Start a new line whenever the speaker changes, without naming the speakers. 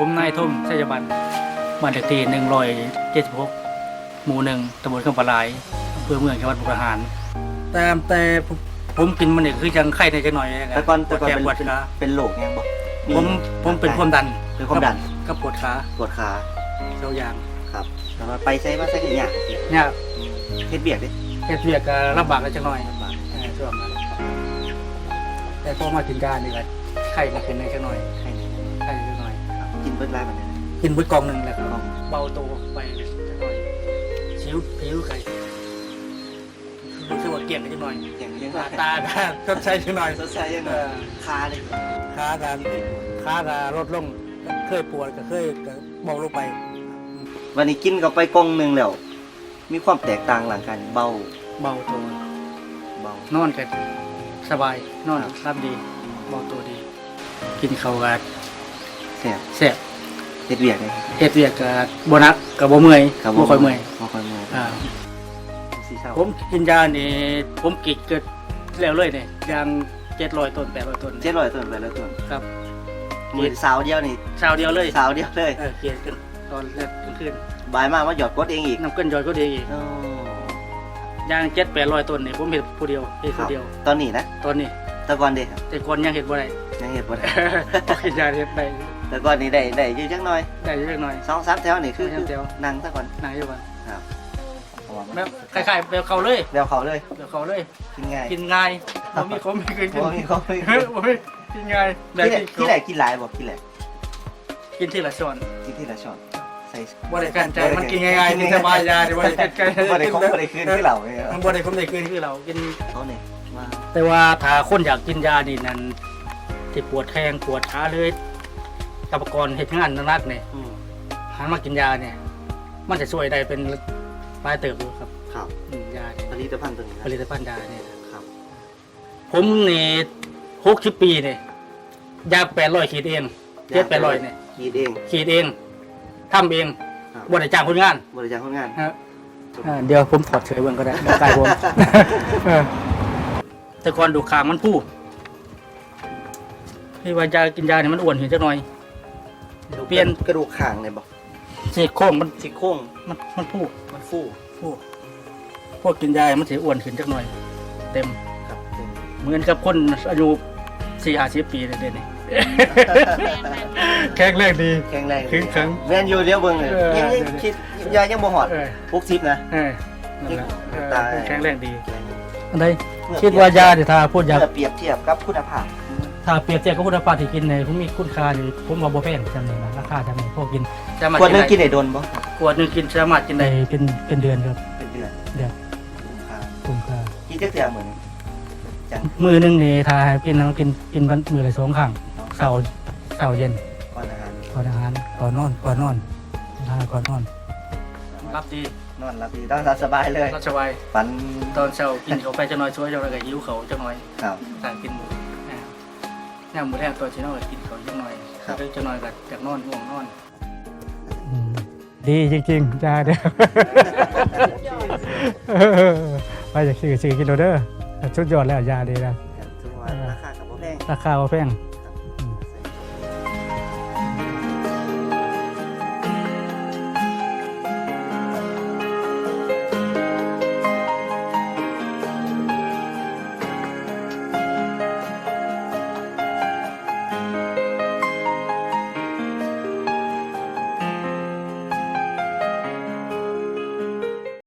ผมนายทุ่มชัยบันบ้านเลขที่176 หมู่ 1 ตำบลคำปลายอำเภอเมืองจังหวัดมุกดาหารแต่ผมกินมันเนี่ยคือยังไข้ในจังหน่อย
แต่ก่อน
ปวดแขนปวดขา
เป็นโรคยังบ่
ผมเป็นความดัน
เป็นความดัน
ก็ปวดขา
ปวดขา
เจ้าอย่าง
ครับแต่ว่าไปใช้มาใช้อย่าง
เนี่ย
เฮ็ดเบียกดิ
เฮ็ดเวียกก็ลำบากจังหน่อยช่วงนั้นแต่พอมากินยานี่ก็ไข้มาขึ้นในจังหน่อย
ใช่
ไข้จังหน่อย
ครับกินเบิดหลายมันเลย
กินเบิดกล่องหนึงแล้วก็เบาตัวไปจังหน่อยผิวไข้รู้สึกว่าเกลี่ยงไปจังหน่อย
อย่างยัง
ตาชดใช้จังหน่อย
สดใสยังไงคาเลย
ขาก็ลดลงเคยปวดก็เคยก็เบาลงไป
วันนี้กินก็ไปกล่องหนึงแล้วมีความแตกต่างหลังกันเบา
เบาตัวน อนกันสบายนอนรับดีเบาตัวดี กินข้าวก็
แซ่บ
แซ่บ
เฮ็ดเบียกเลย
เฮ็ดเวียกก็บ่หนักก็บ่เมื่อยบ่ค่อยเมื่อย
บ่ค่อยเมื่อย
อ่า
สีเช้า
ผมกินยานี่ผมกินเกิดแล้วเลยเนี่ยอย่าง700 ต้น800 ต้น
700ต้นไปแล้วต้น
ครับ
มื้อสาวเดียวนี่
เช้าเดียวเลย
สาวเดียวเลย
เกียนกันตอนแรกกลางคืน
บ่ายมาว่าหยอดกดเองอีก
น้ำเกินยอยก็ดีอีก
โอ้
อย่าง700-800 ต้นนี่ผมเฮ็ดผู้เดียวเฮ็ด
ครั
ผู้
บ
เดียว
ตอนนี้นะ
ตอนนี้
แต่ก่อนเด้ครับ
แต่ก่อนยังเฮ็ดบ่ได้
ยังเฮ็ดบ่ได้
พอกินยาเฮ็ดได้
แต่ก่อนนี่ได้อยู่จักหน่อย
ได้อยู่เล็กน้อย
2-3แถวนี่คือ
สองสามแถว
นั่งซะก่อน
นางอยู่บ้าน
ครับ
แบบคล้ายๆแบบเขาเลย
แล้วเขาเลย
แบบเขาเลย
กินง่าย
กินง่ายบ่มีขมมีกิน
บ่มีเขาไม่
บ่มีกินง่ายแบบ
ที่แหลกกินหลายบ่กินแหลก
กินทีละช้อน
กินทีละช้อนใส่
บ่ได้กันใจมันกินง่ายๆกินสบายยาบ่ได้กันใจ
บ่ได้ของบ่ได้คืนคือเราเนี่ย
มันบ่ได้ผมได้คืนคือเรากิน
เขาเนี่ยมา
แต่ว่าถ้าคนอยากกินยานี่นั่นที่ปวดแข้งปวดขาเลยกับกรเฮ็ดงานหนักๆนี่ หันมากินยาเนี่ย มันจะช่วยได้เป็นปลายเติบอยู่ครับ
ครับ
ยาเนี่ย
ผลิตภัณฑ์ตัวนี้
ผลิตภัณฑ์ยาเนี่ย
ครับ
ผมนี่60 ปีเนี่ยยา800ขีดเอง700-800เนี่ย
กินเอง
ขีดเองทำเอง
ครับ
บ่ได้จ้างคนงาน
บริจาคคนงาน
ฮะเดี๋ยวผมถอดเฉยเบิ่งก็ได้บ่กายผม แต่ก่อนดูขางมันผู้ที่ว่ายากินยาเนี่ยมันอ้วนขึ้นจักหน่อย เปลี่ยน
กระดูกข่างเลยบอก
ซี่โครงมัน
ซี่โครง
มันผู้
มันฟู
พวกกินยามันสิอ้วนขึ้นจักหน่อย เต็ม
ครับ
เหมือนกับคนอายุ40-50 ปีเลยเดี๋ยวนี้ แข็งแรงดี
แข็งแรง
ขึงขัง
แม่นอยู่เดียวเบิ่งเลย
เออ
ยังคิดยายังบ่หอด
เออ
60นะ
นั่นแหละ
ตาย
แข็งแรงดีอันใดคิดว่ายาที่ถ้าพูดยา
เมื่อเปรียบเทียบกับคุณภาพ
ถ้าเปรียบเทียบกับคุณภาพที่กินเนี่ยผมมีคุณค่านี่ผมว่าบ่แพงจำเลยนะราคาจำเลยพวกกิน
ขวดหนึงกินได้โดนบ่
ขวดหนึงกินสามารถกินได้เป็นเดือนครับ
เป็นเดือน
เดือน
ครับ
คุ้มค่า
กินจักเทื่อมื้อนึงจัง
มือหนึงนี่ถ้าให้กินต้องกินวันมือละ2 ครั้งเช้าเย็น
ก่อนอาหาร
ก่อนอาหารก่อนนอนก่อนนอนรับดี
นอนหลับดีนอนสบายเลย
รับสบาย
ฝัน
ตอนเช้ากินเขาไปจะน้อยช่วยเจ้าแล้วก็หิวเขาจะน้อย
ครับ
ต่างกินแนวหมูแทนตัวชิ้นน้อยกินเขาจะน้อยแล้วจะน้อยกับจากนอนง่วงนอนดีจริงๆจ้าเด้อ ไปจากซื้อกินโดเด้อชุดยอดแล้วยาดีนะ
ถือว่าราคาก็บ่แพง
ราคาบ่แพง